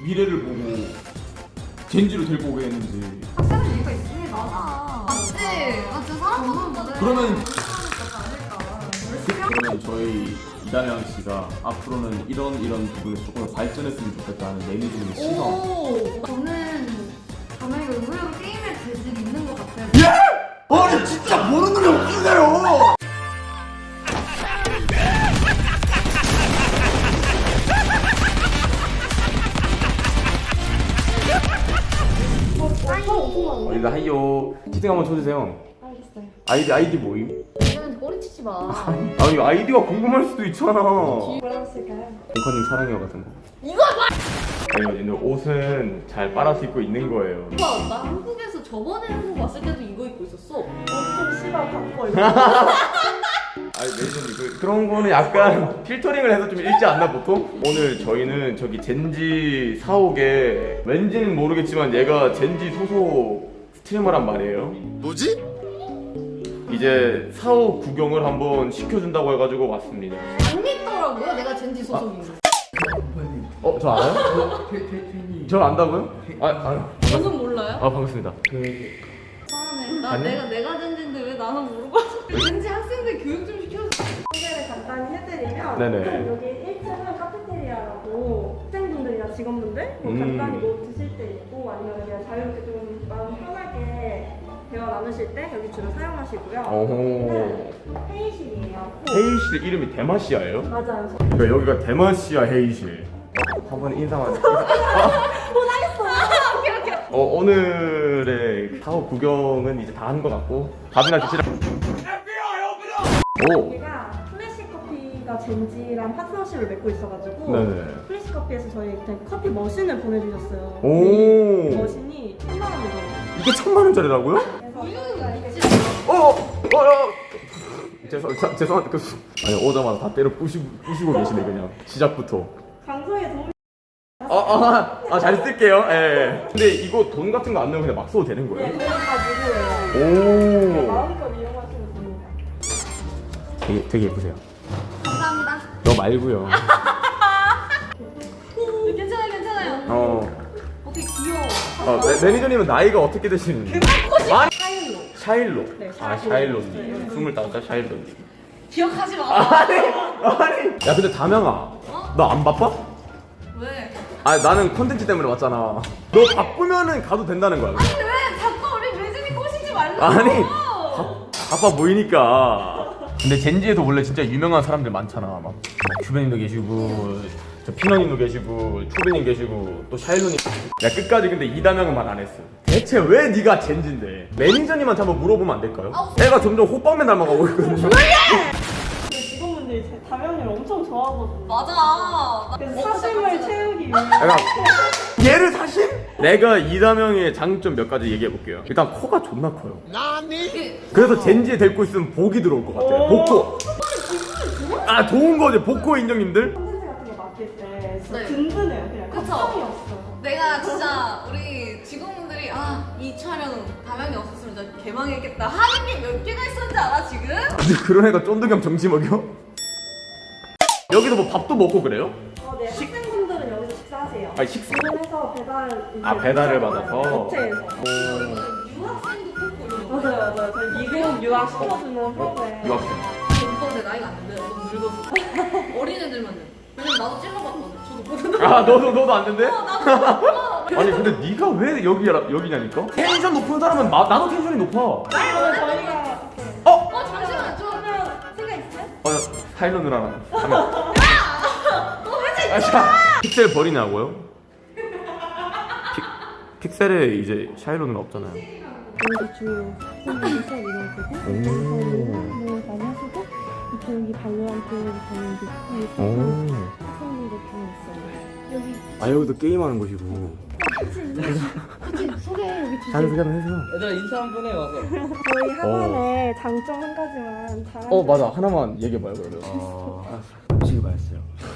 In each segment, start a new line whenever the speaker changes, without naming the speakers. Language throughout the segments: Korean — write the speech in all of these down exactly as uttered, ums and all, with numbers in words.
미래를 보고 젠지로 데리고 오게 했는지.
확실한 이유가 있습니다. 맞지? 맞지? 사람 보는
그러면
아닐까.
그러면 저희 이다량 씨가 앞으로는 이런 이런 부분에서 조금 더 발전했으면 좋겠다는 매니저님의 시선.
오! 저는 담양이가 의외로 게임에 재질이 있는 것 같아요.
예? 아니 진짜 모르는 게 없으세요. 어, 이거 하이요. 채팅 한번 쳐주세요.
알겠어요.
아이디 아이디 뭐임?
왜냐면 꼬리치지 마.
아 이거 아이디가 궁금할 수도 있잖아.
뭐라고 쓸까요?
공커님 사랑해요 같은 거.
이거 봐!
아니 근데 옷은 잘 빨아서 입고 있는 거예요.
오빠, 나 한국에서 저번에 한국 왔을 때도 이거 입고 있었어.
엄청 씨발 바꿔 이거.
아니 매니저님 그, 그런 거는 약간 필터링을 해서 좀 읽지 않나 보통? 오늘 저희는 저기 젠지 사옥에 왠지는 모르겠지만 얘가 젠지 소속 스트리머란 말이에요.
뭐지?
이제 사옥 구경을 한번 시켜준다고 해가지고 왔습니다.
안 믿더라고요, 내가 젠지 소속인 거.
어? 저 알아요? 저 안다고요? 아, 아,
저는 몰라요?
아 반갑습니다.
이상하네. 나
아니?
내가 내가 젠지인데 왜 나는 물어봐서. 젠지 학생들 교육 좀 시켜줘.
소개를 간단히 해드리면
네네.
여기 일 층은 카페테리아라고 학생분들이나 직원분들 뭐
음.
간단히 뭐 드실 때 있고 아니면 그냥 자유롭게 좀 마음 편하게 대화 나누실 때 여기 주로 사용하시고요.
어호.
여기는 회의실이에요.
회의실 이름이 대마시아예요?
맞아요.
그러니까 여기가 대마시아 회의실. 어, 한번 인사만. 인사. 어, 오늘의 사업 구경은 이제 다 한 것 같고 밥이나 드시라. 오.
여기가 플래시 커피가 젠지랑 파트너십을 맺고 있어가지고
네네.
플래시 커피에서 저희 그냥 커피 머신을 보내주셨어요.
오.
이 머신이 천만 원이에요.
이게 천만 원짜리라고요?
그래서
어, 어, 어. 죄송, 자, 죄송한데 그 아니 오자마자 다 때려 부시고 부시고 계시네 그냥 시작부터.
강서에 도움이
아, 아, 아, 잘 쓸게요. 예. 예. 근데 이거 돈 같은 거 안 넣으면 그냥 막 써도 되는
네,
거예요?
저희 다 무료예요.
오.
마음껏 이용하시면 됩니다.
되게 되게 예쁘세요.
감사합니다.
너 말고요.
괜찮아요, 괜찮아요.
어.
어떻게 귀여워.
어, 매, 매니저님은 나이가 어떻게 되시는지? 아니,
사일로.
샤일로.
네,
아,
샤일로.
샤일로님. 스물다섯 살 샤일로님.
기억하지 마.
아니, 아니. 야, 근데 담양아, 너 안 바빠?
왜?
아, 나는 콘텐츠 때문에 왔잖아. 너 바쁘면은 가도 된다는 거야.
아니 왜 자꾸 우리 매진이 꼬시지 말라고.
아니, 바, 바빠 보이니까. 근데 젠지에도 원래 진짜 유명한 사람들 많잖아. 막, 막 큐베님도 계시고, 저 피너님도 계시고, 초베님 계시고, 또 샤일로님. 야, 끝까지 근데 이다명은 말 안 했어. 대체 왜 네가 젠지인데? 매니저님한테 한번 물어보면 안 될까요?
아우.
애가 점점 호빵맨 닮아가고 있거든요.
그 직원분들이 제 담양이를 엄청 좋아하거든요.
맞아. 나
그래서
먹고
사심을
싶었어.
채우기 위해
내가 얘를 사실? 내가 이다명의 장점 몇 가지 얘기해 볼게요. 일단 코가 존나 커요.
이게
그래서 젠지에 데리고 있으면 복이 들어올 것 같아요. 복코. 아 좋은 거지 복코 인정님들.
콘텐츠 같은 거 맡길 때 진짜
네.
든든해요. 그냥
그쵸?
걱정이 없어요.
내가 진짜 우리 직원분들이 아 이 촬영 담양이 없었으면 진짜 개망했겠다 하는 게 몇 개가 있었는지 알아 지금?
근데 그런 애가 쫀득이형 정지 먹여? 여기서 뭐 밥도 먹고 그래요?
어, 네. 학생분들은 여기서 식사하세요.
아니, 식사-
주문해서 배달 이제
아, 배달을
붙여줘요.
받아서?
업체에서.
유학생도 뽑고 이런 거.
맞아요, 맞아요. 저희 미국 유학 시켜주는 프로그램.
유학생.
오빠 내 나이가 안 돼. 너무 늙어서. 어린애들만 돼. 왜냐면 나도 찔러봤거든. 저도 보는
아 너도 너도 안 된대?
어, 나도.
아니 근데 네가 왜 여기 여기냐니까? 텐션 높은 사람은 마, 나도 텐션이 높아.
아니, 오늘 저희가 이렇게
어?
어 잠시만 저.
하면 생각 있어요?
어 사일러 누나랑 하면.
너 회사
아, 자, 픽셀 버리냐고요? 픽, 픽셀에 이제 샤일로 누나 없잖아요.
여기 주요 콘텐츠 수업 이런 거고 뭐 많이 하시고 이쪽 여기 발로란트 가는 게
오.
학생분들 좀 있어요. 여기
아 여기도 게임하는 곳이고.
같이 소개 여기 주세요.
자기 소개 한번 해주세요.
얘들아 인사 한 번 해 와서.
저희 학원의 장점 한 가지만 잘
어 맞아 하나만 얘기해봐요 그러면.
어, 음식이 맛있어요.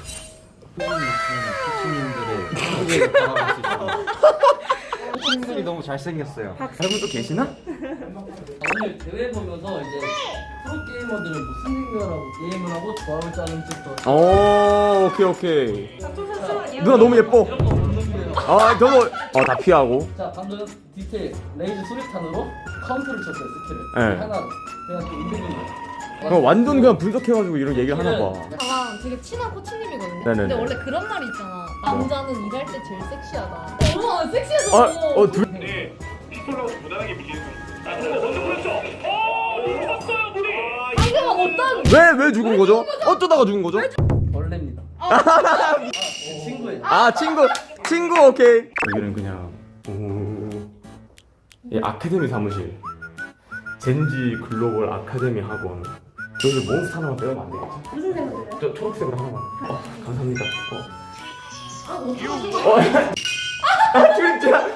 피치님들의 소개를 받아볼 수 있어요. 피치님들이 너무 잘생겼어요.
여러분 또 계시나?
오늘 대회 보면서 이제 프로 게이머들은 무슨 생각을 하고 게임을 하고 조합을 짜는지 또
오 오케이 오케이.
잠시만요.
누나 너무 예뻐.
이런 거 보는 거예요.
아 저거 어 다 피하고.
자 방금 디테일 레이즈 수리탄으로 카운터를 쳤어요 스킬을.
네.
하나 내가 또 인생인 거.
어, 완전 그냥 분석해가지고 이런 얘기를 하나 봐.
저랑 되게 친한 코치님이거든요.
네네네.
근데 원래 그런 말이 있잖아. 남자는 일할 때 제일 섹시하다. 어머 섹시해서.
아, 어 둘.
네, 피콜로 무난하게 밀리는 거. 아, 근데 먼저 보냈죠. 어, 놓쳤어요, 우리. 아,
이게 막 어떤?
왜 왜 죽은 거죠? 어쩌다가 죽은 거죠?
벌레입니다. 아, 제 친구예요.
아 친구 친구 오케이. 여기는 그냥 오. 이 아카데미 사무실. 젠지 글로벌 아카데미 학원. 저기 몬스터 하나만 빼면 안 되겠지?
무슨 생각이에요?
저 초록색으로 하나만. 어, 감사합니다. 어.
아 어떻게 하신 거야?
어, 아 진짜.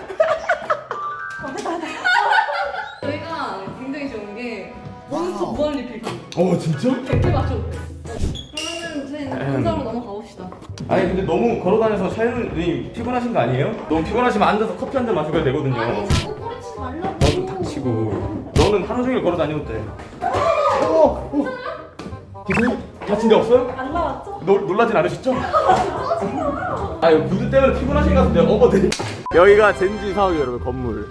저희가 굉장히 좋은 게 몬스터 무한 리필.
어 진짜?
백 개 맞춰도 돼. 그러면 저희 본사로 넘어가 봅시다.
아니 근데 너무 걸어다녀서 샤이로님 피곤하신 거 아니에요? 너무 피곤하시면 앉아서 커피 한 잔 마셔야 되거든요.
아니 자꾸 꼬리치지 말라고.
너는 닥치고. 너는 하루 종일 걸어다녀도 돼. 어, 어. 기사님 다친 데 없어요?
안 나왔죠?
놀, 놀라진 않으셨죠? 아 이거 무드 때문에 피곤하신 것 같은데 어머들. 여기가 젠지 사옥이에요 여러분 건물.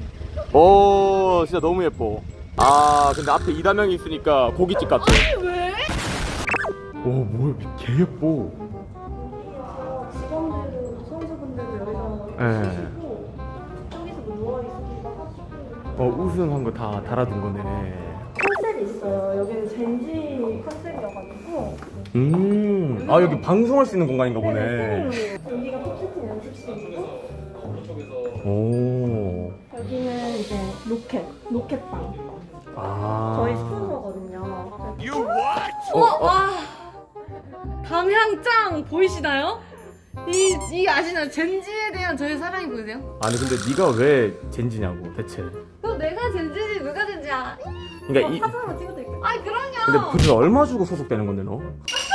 오 진짜 너무 예뻐. 아 근데 앞에 이다명이 있으니까 고깃집 같아.
아니 왜?
오 뭐야 개 예뻐.
여기서 직원들, 선수분들도 여기서
네.
쉬시고 저기서 뭐 누워있으기도 하시고
어 우승한 거 다 달아둔 거네.
컨셉이 있어요. 여기는 젠지 컨셉이어가지고
음아 여기 방송할 수 있는 공간인가 보네.
네, 여기가 톱세팅 연습실이고
오.
여기는 이제 로켓, 로켓방
아.
저희 스폰서거든요.
어, 어.
와 담향짱 보이시나요? 이, 이 아시나요? 젠지에 대한 저의 사랑이 보이세요?
아니 근데 네가 왜 젠지냐고 대체.
너 내가 젠지지 누가 젠지야?
그러니까
어,
이
사진 한번 찍어드릴게요.
아이 그럼요.
근데 그게 얼마 주고 소속되는 건데 너?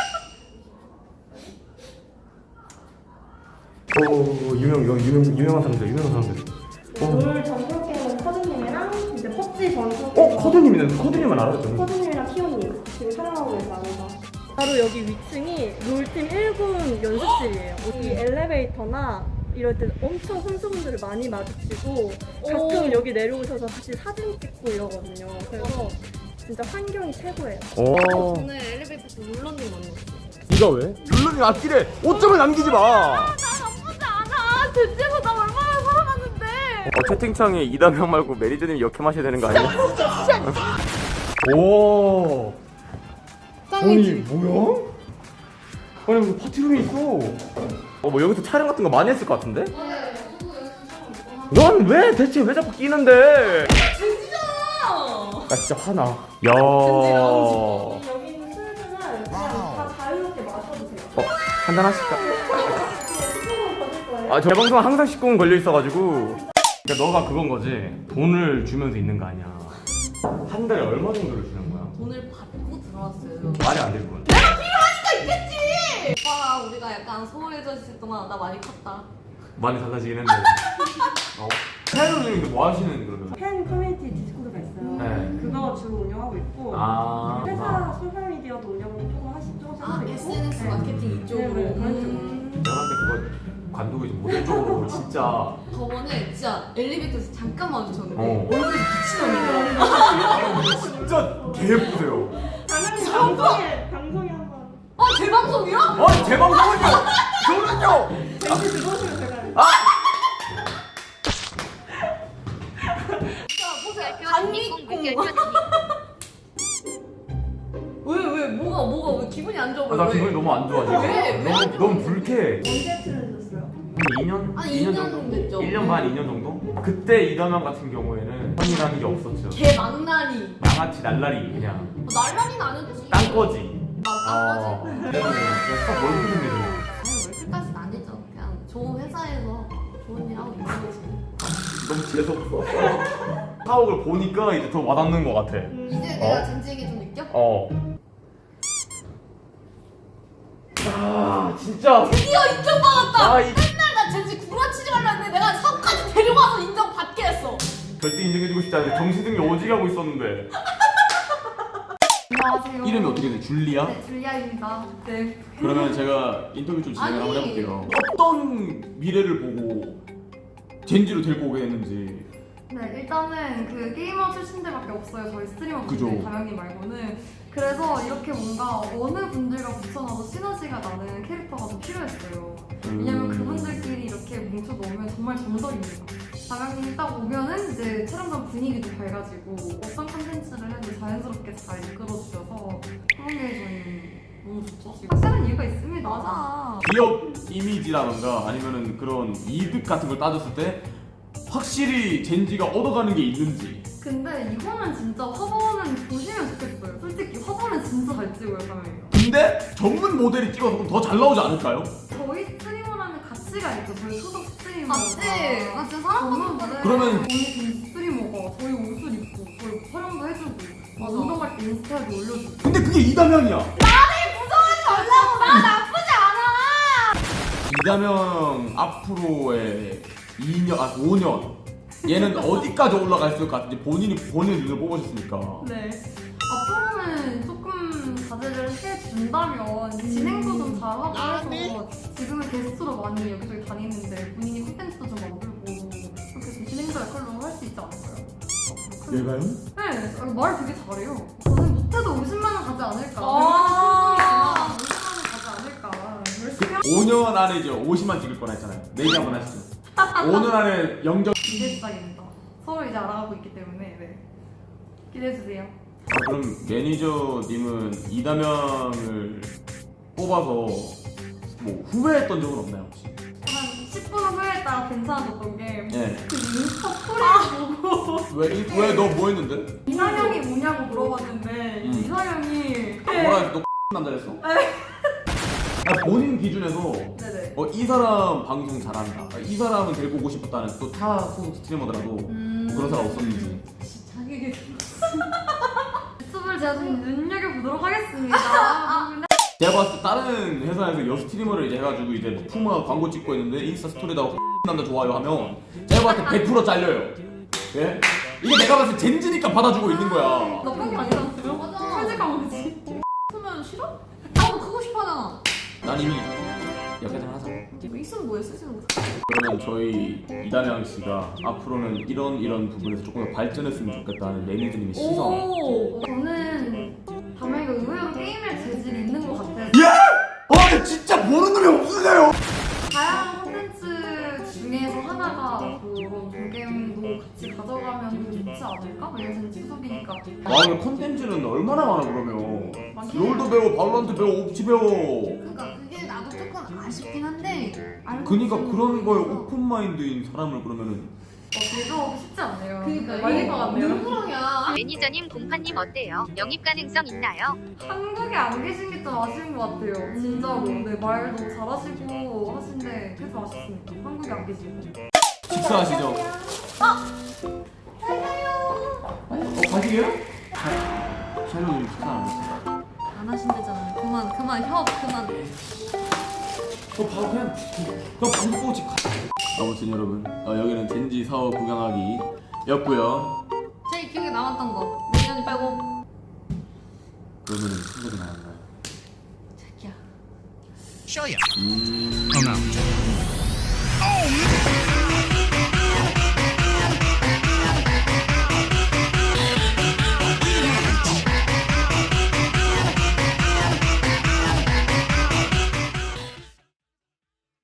오 유명 여기 유명 유명한 사람들 유명한 사람들. 어.
롤 전설 게임은 커드님이랑 이제 펍지 전설
어
게임
커드님이네. 커드님만 알았죠.
커드님이랑 키오님 지금 촬영하고 계시다면서 바로 여기 위층이 롤팀 일 군 연습실이에요. 이 엘리베이터나 이럴 때 엄청 선수분들을 많이 마주치고 가끔
오.
여기 내려오셔서 같이 사진 찍고 이러거든요. 그래서 진짜 환경이 최고예요.
어.
저는 엘리베이터에서 룰러님 만났어요.
네가 왜? 룰루님 앞길에 오 점을 남기지 마.
나 나쁘지 않아. 젠지에서 나 얼마나 살아갔는데.
어, 채팅창에 이다명 말고 매니저님 역행하셔야 되는 거 아니야? 오. 아니
짱이지.
뭐야? 아니 무슨 파티룸이 있어. 어 뭐 여기서 촬영 같은 거 많이 했을 것 같은데? 넌 왜 대체 왜 자꾸 끼는데?
젠지잖아.
나 진짜 화나. 야.
여기 있는 술들은 그냥 다 자유롭게 마셔도 돼요.
어, 한잔 하실까?
수분을 거둘 거예요.
아, 저 방송 항상 십구 분 걸려 있어가지고. 그러니까 너가 그건 거지. 돈을 주면서 있는 거 아니야. 한 달에 얼마 정도를 주는 거야?
돈을 받고 들어왔어요.
말이 안 되는 거야.
있겠지. 오빠 우리가 약간 소홀해져 있을 동안 나 많이 컸다.
많이 달라지긴 했는데. 어? 사연님도 뭐 하시는 그러면?
팬 커뮤니티 디스코드가 있어요.
네.
그거 주로 운영하고 있고
아.
회사 소셜 미디어도 운영을 조금 하시죠.
아 에스엔에스 마케팅 이쪽으로.
네, 네, 그런 쪽으로.
음.
내가 봤을 때 그거 관두고 이제 모델 쪽으로 진짜.
저번에 진짜 엘리베이터에서 잠깐 마주쳤는데
어.
얼굴이 미친놈이더라고.
진짜 개 예쁘세요.
당연히 방송에 방송에 한번
아 재방송이야?
아니, 제 방송은요! 저는요!
왠지 들어오시면 제가
자 보세요. 단미콩. 왜왜 뭐가 뭐가 왜 기분이 안 좋아?
아, 나
왜?
기분이 너무 안 좋아, 지금.
왜? 왜
너무,
안 좋아?
너무 불쾌해.
언제 출연하셨어요?
한 이 년?
한
이
이 년
정도?
됐죠.
일 년 반, 이 년 정도? 그때 이다명 같은 경우에는 형이라는 게 없었죠.
개 망나니.
양아치 날라리 그냥
뭐 날라리는 아니었지.
땅거지.
나 땅거지.
어. 내가 그냥 뭘 그리는데
아니 월클까지는 아니죠. 그냥 좋은 회사에서 좋은 일 하고 있는 거지.
너무 재수없어. 사옥을 보니까 이제 더 와닿는 것 같아.
이제 내가 젠지에게 좀 느껴?
어. 아 진짜.
드디어 인정받았다.
아, 이-
맨날 나 젠지 구라치지 말라 했는데 내가 사업까지 데려가서 인정받게 했어.
절대 인정해주고 싶지 않은데 정신승리 오지게 하고 있었는데.
안녕하세요.
이름이 어떻게 돼? 줄리아?
네, 줄리아입니다. 네.
그러면 제가 인터뷰 좀 진행을 한번
아니.
해볼게요. 어떤 미래를 보고 젠지로 데리고 오게 됐는지.
네, 일단은 그 게이머 출신들밖에 없어요. 저희 스트리머
그죠.
분들 담양님 말고는. 그래서 이렇게 뭔가 어느 분들과 붙여놔도 시너지가 나는 캐릭터가 좀 필요했어요. 왜냐면
음.
그분들끼리 이렇게 뭉쳐 놓으면 정말 정석입니다. 담양님이 딱 오면은 이제 촬영장 분위기도 밝아지고 어떤 컨텐츠를 해도 자연스럽게 잘 이끌어주셔서 그런 게 저희는 너무 좋죠. 확실한 이유가 있습니다. 맞아.
기업 이미지라던가 아니면은 그런 이득 같은 걸 따졌을 때 확실히 젠지가 얻어가는 게 있는지.
근데 이거는 진짜 화보는 보시면 좋겠어요. 솔직히 화보는 진짜 잘 찍어요, 담양이가.
근데 전문 모델이 찍어서 그럼 더 잘 나오지 않을까요?
저희 스트리머라는 가치가 있죠. 저희 소속 스트리머.
맞지? 맞지? 사람마다
그러면-
저희 전 스트리머가 저희 옷을 입고 저희 촬영도 해주고
맞아.
운동할 때 인스타에도 올려주고.
근데 그게 이다명이야. 이다명 앞으로의 이 년, 아 오 년 얘는 어디까지 올라갈 것 같은지 본인이 본인의 눈을 뽑으셨으니까.
네. 앞으로는 조금 자제를 해준다면 진행도 좀 잘하고 해서 지금은 게스트로 많이 여기저기 다니는데 본인이 콘텐츠도 좀 만들고 그렇게 좀 진행자 역할로 할 수 있지 않을까요?
내가요?
네, 아, 말 되게 잘해요. 저는 못해도 오십만 원 가지 않을까.
아.
오십만 원 가지 않을까. 열심히 하
오 년 안에 이제 오십만 찍을 거라 했잖아요. 내기 한번 하시죠. 오 년 안에 영적.
기대 시작입니다. 서로 이제 알아가고 있기 때문에 네. 기대해주세요.
아, 그럼 매니저님은 이다명을 뽑아서 뭐 후회했던 적은 없나요 혹시?
한 십 분 후회했다가 괜찮아졌던 게
네.
그 인스타 스토리를 보고
왜 너 뭐 했는데?
이상형이 뭐냐고 물어봤는데
음.
이상형이
뭐라 했어? 너 남자랬어? 아, 본인 기준에서
네네.
어, 이 사람 방송 잘한다. 아, 이 사람은 데리고 오고 싶었다는 또 타 소속 스트리머더라도
음.
그런 사람 없었는지.
자기 얘기 유튜브를 제가 좀 눈여겨보도록 하겠습니다.
제가 봤을 때 다른 회사에서 여 스트리머를 이제 해가지고 이제 뭐 푸마 광고 찍고 있는데 인스타 스토리에다가 남자 좋아요 하면 제가 봤을 때 백 퍼센트 잘려요. 예? 이게 내가 봤을 때 젠지니까 받아주고 있는 거야.
나쁜 게 아니라서요?
맞아.
솔직한 거지.
그러면 싫어? 나도 크고 싶어 하잖아.
난 이미 여기까지 하자.
뭐 있으면 뭐해 쓰시는 거.
그러면 저희 이다명 씨가 앞으로는 이런 이런 부분에서 조금 더 발전했으면 좋겠다는 매니저님의 시선.
오, 저는 담양이가 의외로 게임에 재질이 있는 것 같아요.
예? 아, 근데 진짜 보는 놈이 없으세요.
다양한 콘텐츠 중에서 하나가 그런 조겜도 같이 가져가면 좋지 않을까? 왜냐면 수속이니까.
와, 근데 컨텐츠는 얼마나 많아 그러면.
많긴
롤도 배워, 발로란트 배워, 옵치 배워.
그러니까 그게 나도 조금 아쉽긴 한데. 알고
그니까
있으면
그런 거에
좋겠어.
오픈 마인드인 사람을 그러면은
어, 비교하기 쉽지 않네요.
그러니까
말릴 것 같네요.
누구랑이야?
매니저님 공파님 어때요? 영입 가능성 있나요?
한국에 안 계신 게 좀 아쉬운 것 같아요. 진짜로. 네, 말도 잘하시고 하신데 그게 좀 아쉽습니다. 한국에 안 계시고.
식사하시죠. 어? 어, 가시게요? 샬로님 식사 안 했어요.
안 하신대잖아요. 그만 그만 협 그만.
너 바로 그냥 그냥 방구 보고 집 가. 아무튼 여러분, 어, 여기는 젠지 사업 구경하기였고요.
제일 기억에 남았던 거 매니저님 빼고.
그러면은 생각이 나는가요?
자기야.
음...
Oh no.